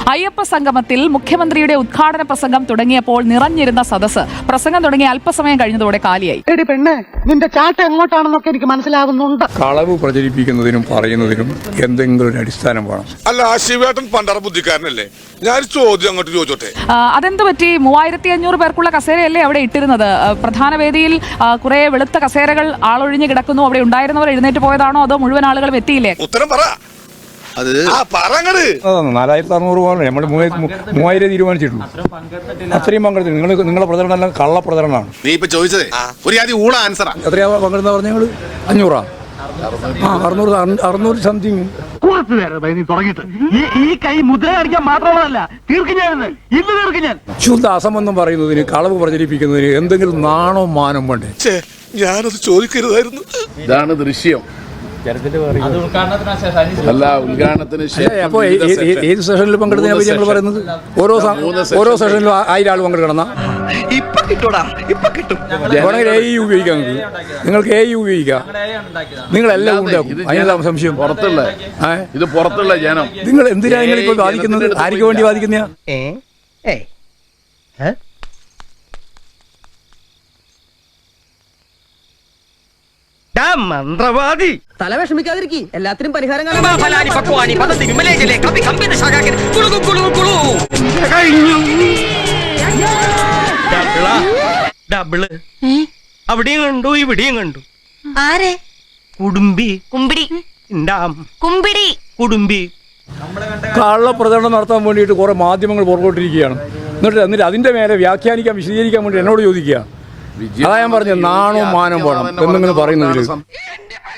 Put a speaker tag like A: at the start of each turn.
A: അയ്യപ്പ സംഗമത്തിൽ മുഖ്യമന്ത്രിയുടെ ഉദ്ഘാടന പ്രസംഗം തുടങ്ങിയപ്പോൾ നിറഞ്ഞിരുന്ന സദസ്സ് പ്രസംഗം തുടങ്ങിയ അല്പസമയം കഴിഞ്ഞതോടെ കാലിയായി.
B: എടി പെണ്ണേ, നിന്റെ ചാട്ട എങ്ങോട്ടാണെന്നൊക്കെ എനിക്ക് മനസ്സിലാകുന്നുണ്ട്.
C: കളവ് പ്രചരിപ്പിക്കുന്നതിനും പറയുന്നതിനും എന്തെങ്കിലും ഒരു അടിസ്ഥാനം വേണം.
D: അല്ല, ശിവേട്ടൻ പണ്ടറ ബുദ്ധിക്കാരനല്ലേ? ഞാൻ ചോദ്യം അങ്ങോട്ട് ചോദിച്ചോട്ടെ.
A: അതെന്ത് പറ്റി? 3500 പേർക്കുള്ള കസേരയല്ലേ അവിടെ ഇട്ടിരുന്നത്? പ്രധാന വേദിയിൽ കുറെ വെളുത്ത കസേരകൾ ആളൊഴിഞ്ഞ് കിടക്കുന്നു. അവിടെ ഉണ്ടായിരുന്നവർ എഴുന്നേറ്റ് പോയതാണോ അതോ മുഴുവൻ ആളുകളും എത്തിയില്ലേ?
D: ഉത്തരം പറ.
C: 4600 നമ്മൾ 3000 തീരുമാനിച്ചിട്ടുള്ളൂ. അത്രയും പങ്കെടുത്തു. നിങ്ങളെ പ്രചരണം എല്ലാം കള്ള പ്രചരണമാണ്.
D: നീ ഇപ്പൊ ചോദിച്ചത് ഒരു ആദ്യം ഊള ആൻസറാ.
C: എത്രയാ പങ്കെടുത്ത പറഞ്ഞ 500 600 സംതിങ്.
B: ഈ കൈ മുദ്ര കാണിക്കാൻ മാത്രമല്ല, തീർക്കും ഞാൻ ഇന്ന് തീർക്കും ഞാൻ.
C: ശുദ്ധ അസംബന്ധം പറയുന്നതിന്, കളവ് പ്രചരിപ്പിക്കുന്നതിന് എന്തെങ്കിലും നാണോ മാനം വേണ്ടേ?
D: ഞാനത് ചോദിക്കരുതായിരുന്നു.
E: ഇതാണ് ദൃശ്യം. അല്ല, ഉദ്ഘാടനത്തിന്
C: അപ്പൊ ഏത് സെഷനിൽ പങ്കെടുത്തതിനെ പറ്റി ഞങ്ങൾ പറയുന്നത്? ഓരോ സെഷനിലും 1000 ആൾ പങ്കെടുക്കണം. വേണമെങ്കിൽ ഉപയോഗിക്കാം. നിങ്ങൾക്ക് ഉപയോഗിക്കാം. നിങ്ങളെല്ലാം ഉണ്ടാക്കും. അതിനെല്ലാം സംശയം.
E: ഇത് പുറത്തുള്ള ജനം.
C: നിങ്ങൾ എന്തിനാ നിങ്ങളിപ്പോ വാദിക്കുന്നത്? ആർക്ക് വേണ്ടി വാദിക്കുന്ന?
B: മന്ത്രവാദി.
F: തല വിഷമിക്കാതിരിക്കി, എല്ലാത്തിനും പരിഹാരം
B: ഡബിള് അവിടെയും കണ്ടു, ഇവിടെയും കണ്ടു.
G: ആരെ?
B: കുടുംബി.
G: കുമ്പിടി. കുമ്പിടി.
B: കുടുംബി.
C: കള്ള പ്രചരണം നടത്താൻ വേണ്ടിയിട്ട് കുറെ മാധ്യമങ്ങൾ പുറകോട്ടിരിക്കുകയാണ്. എന്നിട്ട് അതിന്റെ മേലെ വ്യാഖ്യാനിക്കാൻ, വിശദീകരിക്കാൻ വേണ്ടി എന്നോട് ചോദിക്കുക. അതാ ഞാൻ പറഞ്ഞത്, നാണോ മാനം വേണം എന്തെങ്കിലും പറയുന്നതിൽ.